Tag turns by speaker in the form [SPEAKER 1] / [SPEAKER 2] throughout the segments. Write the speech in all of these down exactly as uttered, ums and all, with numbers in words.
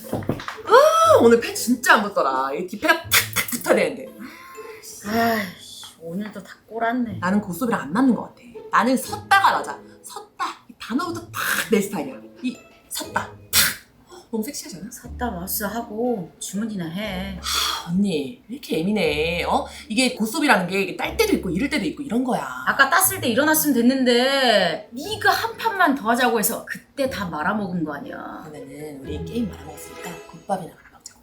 [SPEAKER 1] 아 오늘 폐 진짜 안 붙더라. 이 뒷배가 탁탁 붙어야 되는데.
[SPEAKER 2] 아이씨, 오늘도 다 꼬랐네.
[SPEAKER 1] 나는 고소비랑 안 맞는 것 같아. 나는 섰다가 맞아. 섰다. 이 단어부터 탁 내 스타일이야. 이 섰다. 탁. 너무 섹시하지 않아?
[SPEAKER 2] 샀다 왔어 하고 주문이나 해.
[SPEAKER 1] 아, 언니 왜 이렇게 예민해? 어? 이게 고소비라는 게 이게 딸 때도 있고 이럴 때도 있고 이런 거야.
[SPEAKER 2] 아까 땄을 때 일어났으면 됐는데 네가 한 판만 더 하자고 해서 그때 다 말아먹은 거 아니야.
[SPEAKER 1] 그러면은 우리 게임 말아먹었으니까 국밥이나 말아먹자고.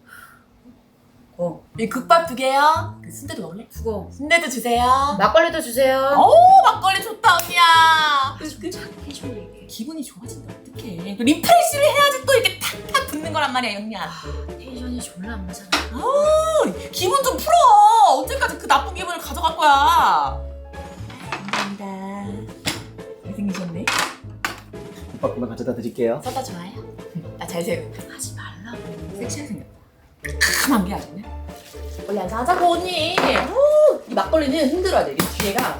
[SPEAKER 2] 어,
[SPEAKER 1] 이 국밥 두 개요. 그 순대도 먹을래?
[SPEAKER 2] 두고
[SPEAKER 1] 순대도 주세요.
[SPEAKER 2] 막걸리도 주세요.
[SPEAKER 1] 오 막걸리 좋다 언니야. 그, 그,
[SPEAKER 2] 착해 좀 얘기해.
[SPEAKER 1] 기분이 좋아진다 어떡해. 그 리프레시를 해야지 또 이렇게 탁탁 붙는 거란 말이야 언니야.
[SPEAKER 2] 텐션이 졸라 안 맞아.
[SPEAKER 1] 아우 기분 좀 풀어. 언제까지 그 나쁜 기분을 가져갈 거야. 감사합니다. 잘생기셨네.
[SPEAKER 3] 국밥 금방 가져다 드릴게요.
[SPEAKER 1] 쏟다 좋아요? 나 잘생
[SPEAKER 2] 하지 말라고.
[SPEAKER 1] 섹시하게 생겼다. 까만 게 아니네. 원래 안 사자고 언니. 오, 이 막걸리는 흔들어야 돼. 이 뒤에가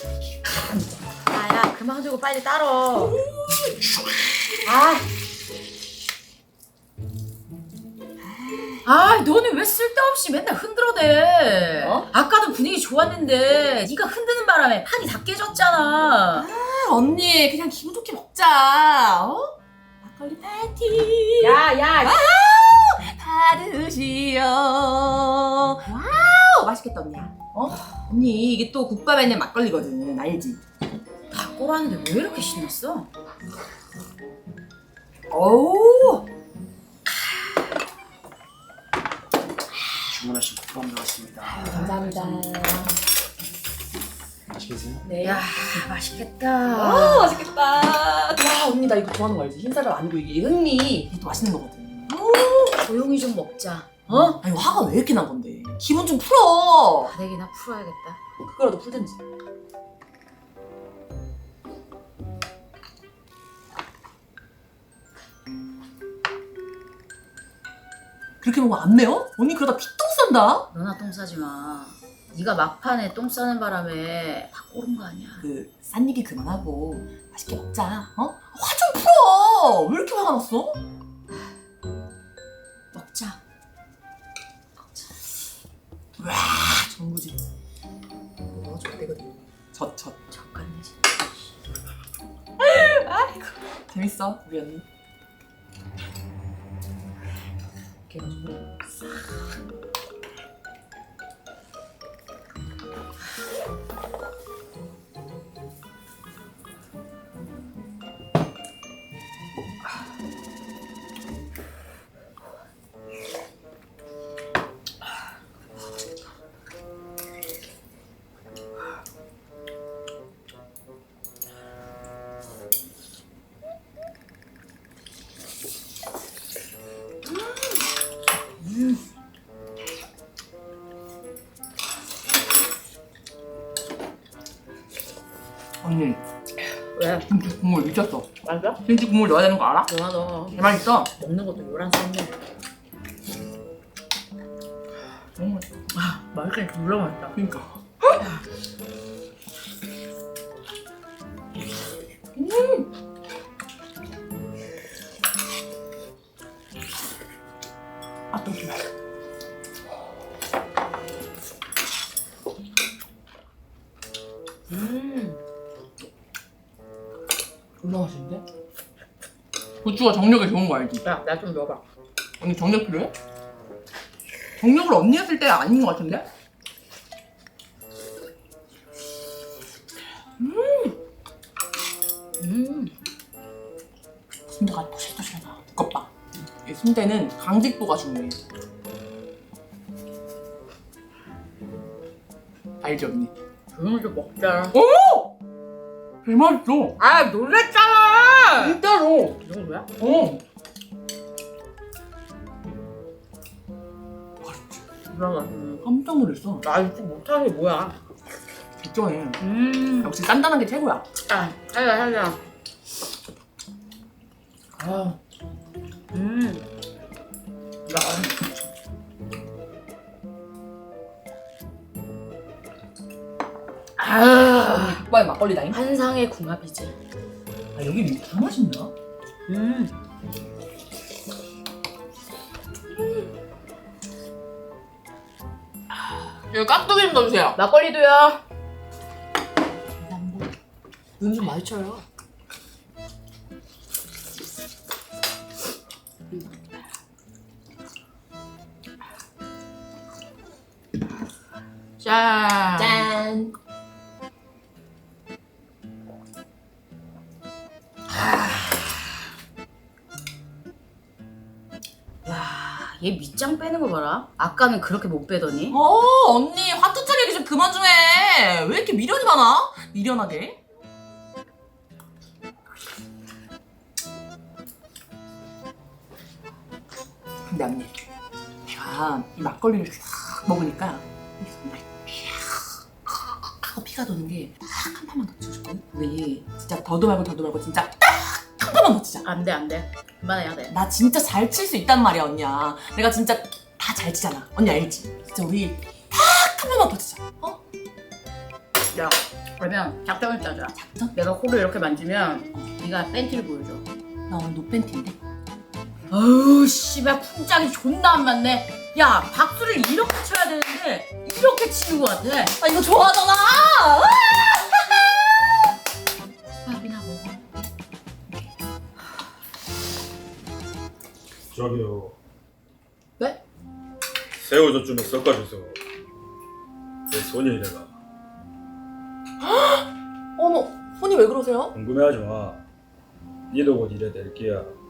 [SPEAKER 2] 야야 그만 두고 빨리 따러. 아. 아, 너는 왜 쓸데없이 맨날 흔들어대?
[SPEAKER 1] 어?
[SPEAKER 2] 아까도 분위기 좋았는데 네가 흔드는 바람에 판이 다 깨졌잖아.
[SPEAKER 1] 아, 언니 그냥 기분 좋게 먹자. 어? 막걸리 파티.
[SPEAKER 2] 야, 야.
[SPEAKER 1] 받으시오. 와우 맛있겠다 언니야. 어? 언니 이게 또 국밥에 있는 막걸리거든 알지?
[SPEAKER 2] 다 꼬라는데 왜 이렇게 신났어?
[SPEAKER 1] 오.
[SPEAKER 3] 주문하신 국밥 나왔습니다.
[SPEAKER 1] 감사합니다.
[SPEAKER 3] 맛있게 드세요.
[SPEAKER 1] 네.
[SPEAKER 2] 야, 맛있겠다.
[SPEAKER 1] 아 맛있겠다. 와 언니 나 이거 좋아하는 거 알지? 흰쌀밥 아니고 이게 흥미. 이게 또 맛있는 거거든.
[SPEAKER 2] 조용히 좀 먹자. 어?
[SPEAKER 1] 아니 화가 왜 이렇게 난 건데? 기분 좀 풀어.
[SPEAKER 2] 바닥이나 풀어야겠다.
[SPEAKER 1] 그거라도 풀든지. 그렇게 먹으면 안 매워? 언니 그러다 피똥 싼다.
[SPEAKER 2] 너나 똥 싸지 마. 네가 막판에 똥 싸는 바람에 다 꼬른 거 아니야.
[SPEAKER 1] 그 싼 얘기 그만하고 맛있게 먹자. 어? 화 좀 풀어. 왜 이렇게 화가 났어?
[SPEAKER 2] 먹자.
[SPEAKER 1] 와 정구지. 너 젖대거든. 젖 젖.
[SPEAKER 2] 잠깐 내지.
[SPEAKER 1] 아이고 재밌어 우리 언니. 이렇게 해가지고 싹. 언니
[SPEAKER 2] 왜?
[SPEAKER 1] 김치 국물 미쳤어.
[SPEAKER 2] 맞아?
[SPEAKER 1] 김치 국물 넣어야 되는 거 알아?
[SPEAKER 2] 너나 너.
[SPEAKER 1] 개 맛있어.
[SPEAKER 2] 먹는 것도 요란 쌌네.
[SPEAKER 1] 너무 맛있어.
[SPEAKER 2] 아, 맛있긴 졸라 맛있다.
[SPEAKER 1] 그니까. 음. 아, 또 좋아.
[SPEAKER 2] 음.
[SPEAKER 1] 졸라 맛있는데? 고추가 정력에 좋은 거 알지?
[SPEAKER 2] 야, 나 좀 넣어봐.
[SPEAKER 1] 언니 정력 필요해? 정력을 언니 했을 때가 아닌 것 같은데?
[SPEAKER 2] 음.
[SPEAKER 1] 순대가 토실토실하다. 두껍다. 이 순대는 강직도가 중요해. 알지 언니?
[SPEAKER 2] 조용히 좀 먹자.
[SPEAKER 1] 오! 개 맛있어.
[SPEAKER 2] 아, 놀랬잖아.
[SPEAKER 1] 진짜로.
[SPEAKER 2] 이 정도야?
[SPEAKER 1] 어.
[SPEAKER 2] 졸라 맛있네.
[SPEAKER 1] 깜짝 놀랐어.
[SPEAKER 2] 나 이거 못하는 게 뭐야?
[SPEAKER 1] 진짜해.
[SPEAKER 2] 음.
[SPEAKER 1] 역시 단단한 게 최고야.
[SPEAKER 2] 아, 살자, 살자.
[SPEAKER 1] 아,
[SPEAKER 2] 음.
[SPEAKER 1] 야.
[SPEAKER 2] 아,
[SPEAKER 1] 언니 국밥에 막걸리다잉?
[SPEAKER 2] 환상의 궁합이지.
[SPEAKER 1] 아 여기 다 맛있나?
[SPEAKER 2] 음.
[SPEAKER 1] 여기 깍두기 좀 넣어주세요.
[SPEAKER 2] 막걸리도요.
[SPEAKER 1] 눈 좀 많이 쳐요.
[SPEAKER 2] 짠.
[SPEAKER 1] 짠.
[SPEAKER 2] 야, 얘 밑장 빼는 거 봐라. 아까는 그렇게 못 빼더니.
[SPEAKER 1] 어 언니 화투찰 얘기 좀 그만 좀 해. 왜 이렇게 미련이 많아? 미련하게. 근데 언니 내가 이 막걸리를 싹 먹으니까 이 손발이 쫙 하고 피가 도는 게 딱 한 판만 더 쳐줄거든? 우리 진짜 더도 말고 더도 말고 진짜 딱 한 판만 더 치자.
[SPEAKER 2] 안 돼, 안 돼. 그만해야 돼.
[SPEAKER 1] 나 진짜 잘 칠 수 있단 말이야 언니야. 내가 진짜 다 잘 치잖아. 언니 알지? 진짜 우리 딱 한 번만 더 치자. 어?
[SPEAKER 2] 야, 그러면 작전을 짜자.
[SPEAKER 1] 작전?
[SPEAKER 2] 내가 코를 이렇게 만지면 네가 팬티를 보여줘.
[SPEAKER 1] 나 오늘 노팬티인데?
[SPEAKER 2] 어우, 씨발 풍짝이 존나 안 맞네. 야, 박수를 이렇게 쳐야 되는데 이렇게 치는 것 같아.
[SPEAKER 1] 아 이거 좋아하잖아.
[SPEAKER 2] 밥이나 먹어.
[SPEAKER 4] 저기요.
[SPEAKER 2] 네?
[SPEAKER 4] 새우젓 좀 섞어주세요. 내 손이 이래가.
[SPEAKER 1] 어머 손이 왜 그러세요?
[SPEAKER 4] 궁금해하지 마. 니도 곧 이래 될 게야.